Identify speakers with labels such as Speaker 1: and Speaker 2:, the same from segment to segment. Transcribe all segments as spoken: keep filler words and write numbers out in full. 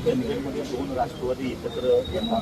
Speaker 1: निगडीमध्ये दोन राष्ट्रवादी एकत्र येतात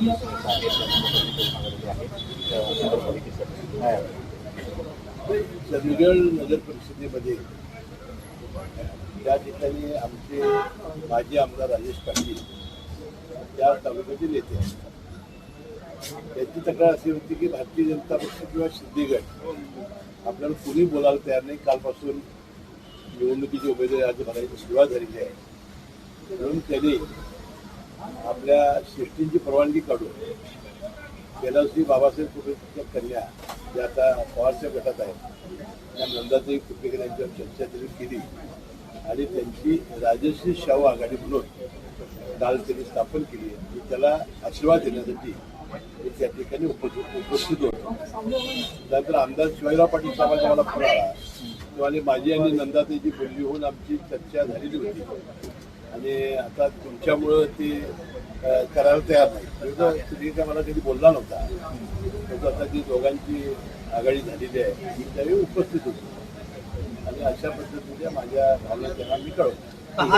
Speaker 2: चंदगड नगर परिषदेमध्ये त्या ठिकाणी आमचे माजी आमदार राजेश पाटील त्या तालुक्याचे नेते आहेत. त्यांची तक्रार अशी होती की भारतीय जनता पक्ष किंवा सिद्धिगड आपल्याला कुणी बोलायला तयार नाही. कालपासून निवडणुकीची उमेदवारी अर्ज भरायची सुरुवात झालेली आहे. म्हणून त्यांनी आपल्या श्रेष्ठींची परवानगी काढून गेल्यावर्षी बाबासाहेब कुटुंबाच्या कन्या ज्या आता पवारच्या गटात आहेत त्या नंदाताई कुपेकर यांच्यावर चर्चा त्यांनी केली आणि त्यांची राजश्री शाहू आघाडी म्हणून काल त्यांनी स्थापन केली आणि त्याला आशीर्वाद देण्यासाठी मी त्या ठिकाणी उपस्थित उपस्थित होतो. त्यानंतर आमदार शिवाजीराव पाटील साहेबांचा मला फोन आला तेव्हा माझी आणि नंदाताईची बोलणी होऊन आमची चर्चा झालेली होती आणि आता तुमच्यामुळं ते करायला तयार नाही. तुम्ही काय मला कधी बोलला नव्हता. त्याचं आता ती दोघांची आघाडी झालेली आहे मी त्यावेळी उपस्थित होतो आणि अशा पद्धतीने माझ्या भावना त्यांना मी कळवतो.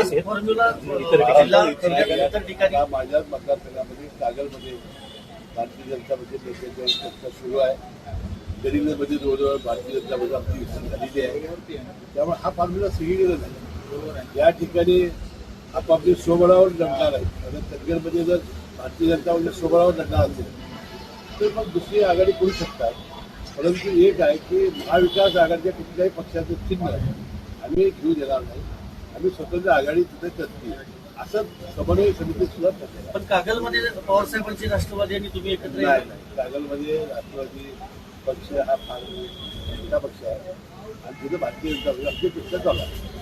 Speaker 2: माझ्याच मतदारसंघामध्ये कागलमध्ये भारतीय जनता पक्ष नेत्यांच्या चर्चा सुरू आहे. गडिंगमध्ये जवळजवळ भारतीय जनता पक्ष आमची विसर झालेली आहे. त्यामुळे हा फॉर्म्युला सगळीकडे नाही. या ठिकाणी आपापली स्वबळावर लढणार आहे. कारण चंदगडमध्ये जर भारतीय जनता पक्ष स्वबळावर लढणार असेल तर मग दुसरी आघाडी करू शकतात. परंतु एक आहे की महाविकास आघाडीच्या कुठल्याही पक्षाचं चिन्ह आम्ही घेऊ देणार नाही. आम्ही स्वतंत्र आघाडी तिथे करतील असं समन्वय समिती सुद्धा ठरलेलं.
Speaker 3: पण कागलमध्ये पवारसाहेबांची राष्ट्रवादी आणि तुम्ही एकत्र
Speaker 2: नाही नाही कागलमध्ये राष्ट्रवादी पक्ष हा फार मोठा पक्ष आहे आणि तिथे भारतीय जनता पक्ष आमची पक्ष चालू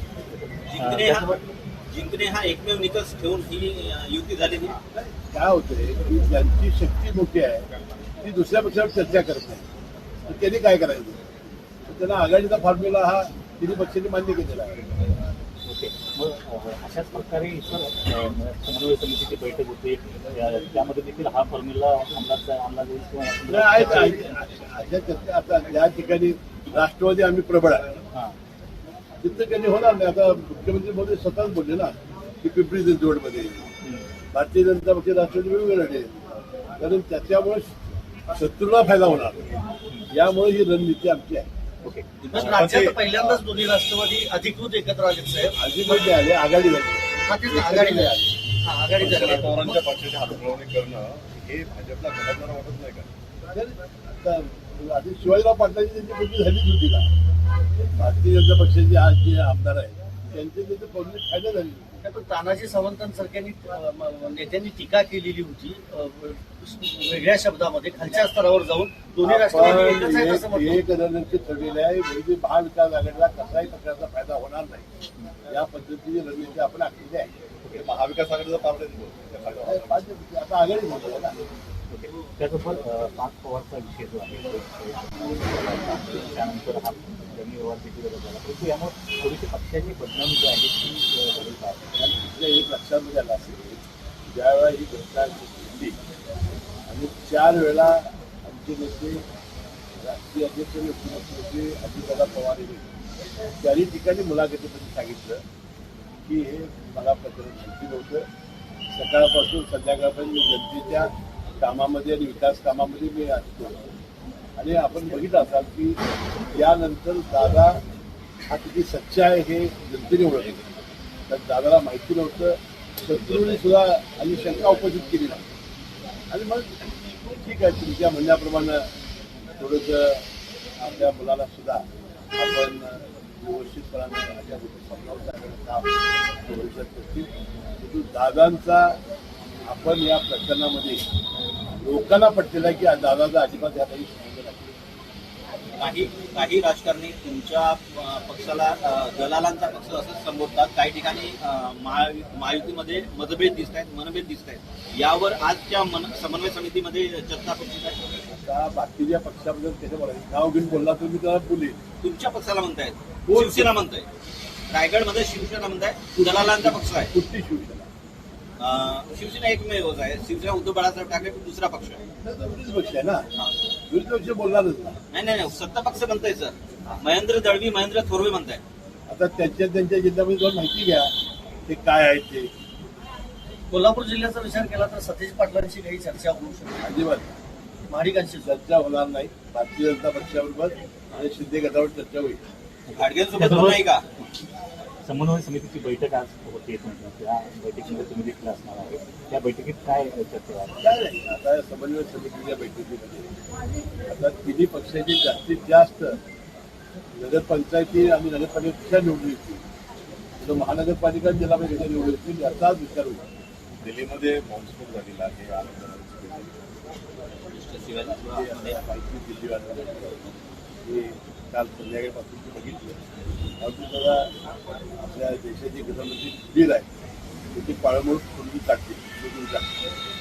Speaker 2: आहे.
Speaker 3: जिंकणे हा एकमेव निकष ठेवून ही युती झालेली.
Speaker 2: काय होतंय की ज्यांची शक्ती मोठी आहे ती दुसऱ्या पक्षावर चर्चा करत नाही. तर त्यांनी काय करायचं तर त्यांना आघाडीचा फॉर्म्युला हा तिन्ही पक्षांनी मान्य केलेला आहे.
Speaker 1: ओके, मग अशाच प्रकारे इतर समन्वय समितीची बैठक होते त्यामध्ये देखील हा फॉर्म्युला अंमलात अंमलात येईल किंवा
Speaker 2: अशा चर्चा आता ज्या ठिकाणी राष्ट्रवादी आम्ही प्रबळ आहे तिथं त्यांनी होणार नाही. आता मुख्यमंत्री मोदी स्वतःच बोलले ना की पिंपरी चिंचवडमध्ये भारतीय जनता पक्ष राष्ट्रवादी वेगवेगळे लढे कारण त्याच्यामुळे शत्रूला फायदा होणार. यामुळे ही रणनीती आमची आहे.
Speaker 1: ओके,
Speaker 3: राज्यात पहिल्यांदाच दोन्ही राष्ट्रवादी अधिकृत एकत्र आले साहेब.
Speaker 2: अधिकृत आले आघाडी झाली
Speaker 3: आघाडी झाली आघाडी झाली.
Speaker 4: पवारांच्या पक्षाची हातमिळवणी करणं हे भाजपला घडवणारं वाटत नाही का?
Speaker 2: आधी शिवाजीराव पाटलांची त्यांची बोलणी झालीच होती ना. भारतीय जनता पक्षाचे आज जे आमदार आहेत त्यांचे त्याचे बोलणी फायदा झाली.
Speaker 3: पण तानाजी सावंतांसारख्यांनी नेत्यांनी टीका केलेली होती वेगळ्या शब्दामध्ये खालच्या स्तरावर जाऊन दोन्ही राष्ट्रवादी
Speaker 2: एक रणनीती ठरलेली आहे. म्हणजे महाविकास आघाडीला कसाही प्रकारचा फायदा होणार नाही या पद्धतीची रणनीती आपण आखलेली आहे.
Speaker 4: महाविकास आघाडीचा पार्ट
Speaker 2: आता आघाडी म्हणतो ना.
Speaker 1: ओके, त्याचबरोबर पाच पवारचा विषय जो आहे त्यानंतर हा जमीन व्यवहार देखील झाला परंतु यामुळे थोडीशी पक्षाची बदनामी जी आहे ती झाली पाहिजे.
Speaker 2: तिथल्या एक लक्षात आलं असेल ज्यावेळेला ही घटना घडली आणि चार वेळा आमचे नेते राष्ट्रीय अध्यक्ष आणि उपमुख्यमंत्री अजितदादा पवार यांनी चारही ठिकाणी मुलाखतीमध्ये सांगितलं की हे मला प्रकरण माहिती नव्हतं. सकाळपासून संध्याकाळपर्यंत मी जनतेच्या कामामध्ये आणि विकास कामामध्ये मी असतो आणि आपण बघितलं असाल की यानंतर दादा हा किती सच्चा आहे हे जनतेने ओळखले. तर दादाला माहिती नव्हतं. शत्रूने सुद्धा आणि शंका उपस्थित केली नाही आणि मग ठीक आहे तुमच्या म्हणण्याप्रमाणे थोडंसं आपल्या मुलाला सुद्धा आपण व्यवस्थितपणाने अशा गोष्टी समजावून सांगण्याचं काम भविष्यात करतील. परंतु दादांचा आपण या प्रकरणामध्ये लोकांना पटलेला आहे की दादाचा अजिबात या काही संबंध नाही.
Speaker 3: काही काही राजकारणी तुमच्या पक्षाला दलालांचा पक्ष असं संबोधतात. काही ठिकाणी महायुतीमध्ये मतभेद दिसत आहेत मनभेद दिसत आहेत. यावर आजच्या मन समन्वय समितीमध्ये चर्चा होती आहे.
Speaker 2: आता बाकीच्या पक्षाबद्दल त्याच्या बोलायचं नाव घेऊन बोलला तर मी त्याला बोलेन.
Speaker 3: तुमच्या पक्षाला म्हणतायत शिवसेना म्हणताय रायगडमध्ये शिवसेना म्हणताय दलालांचा पक्ष आहे.
Speaker 2: कुठली शिवसेना?
Speaker 3: शिवसेना एकमेवच आहे. शिवसेना उद्धव बाळासाहेब ठाकरे दुसरा पक्ष आहे.
Speaker 2: विरोधी पक्ष आहे ना. विरोधी पक्ष बोलणारच ना.
Speaker 3: नाही नाही सत्ता पक्ष म्हणताय सर. महेंद्र दळवी महेंद्र थोरवे म्हणताय.
Speaker 2: आता त्यांच्या त्यांच्या जिल्ह्यामध्ये जाऊन माहिती घ्या ते काय आहे ते.
Speaker 5: कोल्हापूर जिल्ह्याचा विचार केला तर सतीश पाटलांची काही चर्चा होऊ शकते
Speaker 2: अजिबात
Speaker 5: महाडिकांशी
Speaker 2: चर्चा होणार नाही. भारतीय जनता पक्षाबरोबर आणि शिंदे गटावर चर्चा होईल.
Speaker 3: घाटगेंसोबत होत नाही का?
Speaker 1: समन्वय समितीची बैठक आज होते तुमची, त्या बैठकीमध्ये तुम्ही देखील असणार आहे. त्या बैठकीत काय चर्चा आहे?
Speaker 2: काय नाही, आता समन्वय समितीच्या बैठकीमध्ये आता तिन्ही पक्षाची जास्तीत जास्त नगरपंचायती आणि नगरपालिका निवडून येतील, तर महानगरपालिका जिल्हा परिषद निवडून येतील याचाच विचार होईल.
Speaker 4: दिल्लीमध्ये बॉम्बस्फोट झालेला आहे आंदोलनाची
Speaker 2: माहिती दिल्लीवाल्या हे काल संध्याकाळपासून ते बघितलं. अगदी जरा आपल्या देशाची गृहमंत्री वीर आहे त्याची पाळंमुळ करून टाकते टाकते